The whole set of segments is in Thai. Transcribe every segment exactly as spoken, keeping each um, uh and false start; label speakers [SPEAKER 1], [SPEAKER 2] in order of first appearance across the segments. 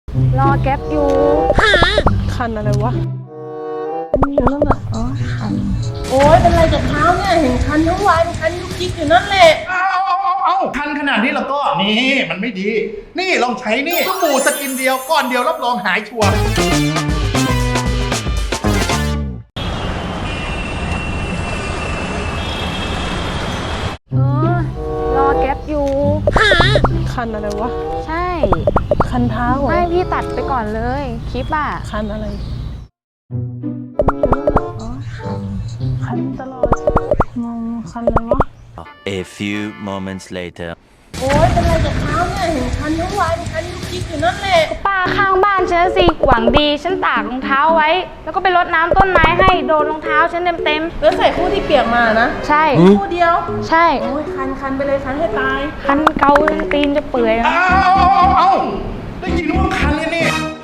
[SPEAKER 1] รอแก๊ปอยู่คันอะไรวะอยู่นั่นน่ะอ๋อคันโอ้ยเป็นไรกับเท้าเนี่ยเห็นคันทั้งวันคันยุกยิกอยู่นั่นแหละ
[SPEAKER 2] เอาเอาเอาเอาคันขนาดนี้แล้วก็นี่มันไม่ดี นี่ลองใช้นี่สบู่สกินเดียวก้อนเดียวรับรองหายชัวร์
[SPEAKER 1] เออรอแก๊ปอยู่คันอะไรวะใช่คันเท้าไม่พี่ตัดไปก่อนเลยคลิปอ่ะคันอะไรอ๋อคันคันตลอดมองคันอะไรวะ
[SPEAKER 3] A few moments later
[SPEAKER 1] โอ้ยเป็นไรกับเท้าเนี่ยเห็นคันทั้งวันคันยุกยิกอยู่นั่นแหละป้าข้างบ้านฉันสิหวังดีฉันตากรองเท้าไว้แล้วก็ไปรดน้ำต้นไม้ให้โดนรองเท้าฉันเต็มเต็มแล้วใส่คู่ที่เปียกมานะใช่คู่เดียวใช่โอ้ยคันคันไปเลยคันให้ตายคันเกาตีนจะเปื่อย
[SPEAKER 2] เอาเอาเอาเอาได้ยินว่าคันเลยนี่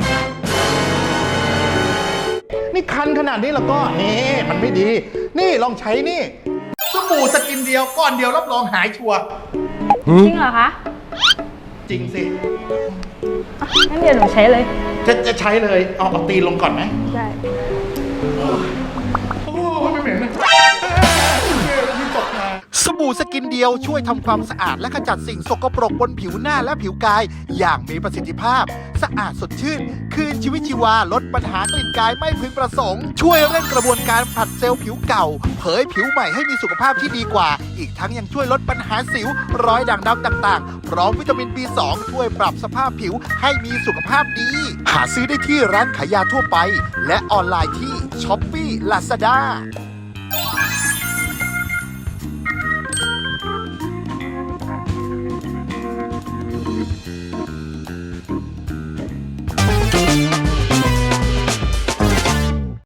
[SPEAKER 2] นี่คันขนาดนี้แล้วก็นี่มันไม่ดี นี่ลองใช้นี่สบู่สกินเดียวก้อนเดียวรับรองหายชัวร์
[SPEAKER 1] จริงเหรอคะ
[SPEAKER 2] จริงสิ
[SPEAKER 1] งั้นเดี๋ยวหนูใช้เลย
[SPEAKER 2] จะจะใช้เลยเอาเอาตีนลงก่อนไหม
[SPEAKER 1] ใช่
[SPEAKER 2] โอ้ไม่เหม็นเลยสบู่สกินเดียวช่วยทำความสะอาดและขจัดสิ่งสกปรกบนผิวหน้าและผิวกายอย่างมีประสิทธิภาพสะอาดสดชื่นคืนชีวิตชีวาลดปัญหากลิ่นกายไม่พึงประสงค์ช่วยเร่งกระบวนการผลัดเซลล์ผิวเก่าเผยผิวใหม่ให้มีสุขภาพที่ดีกว่าอีกทั้งยังช่วยลดปัญหาสิวรอยด่างดำต่างๆพร้อมวิตามิน บี สอง ช่วยปรับสภาพผิวให้มีสุขภาพดีหาซื้อได้ที่ร้านขายยาทั่วไปและออนไลน์ที่ ช้อปปี้ ลาซาด้า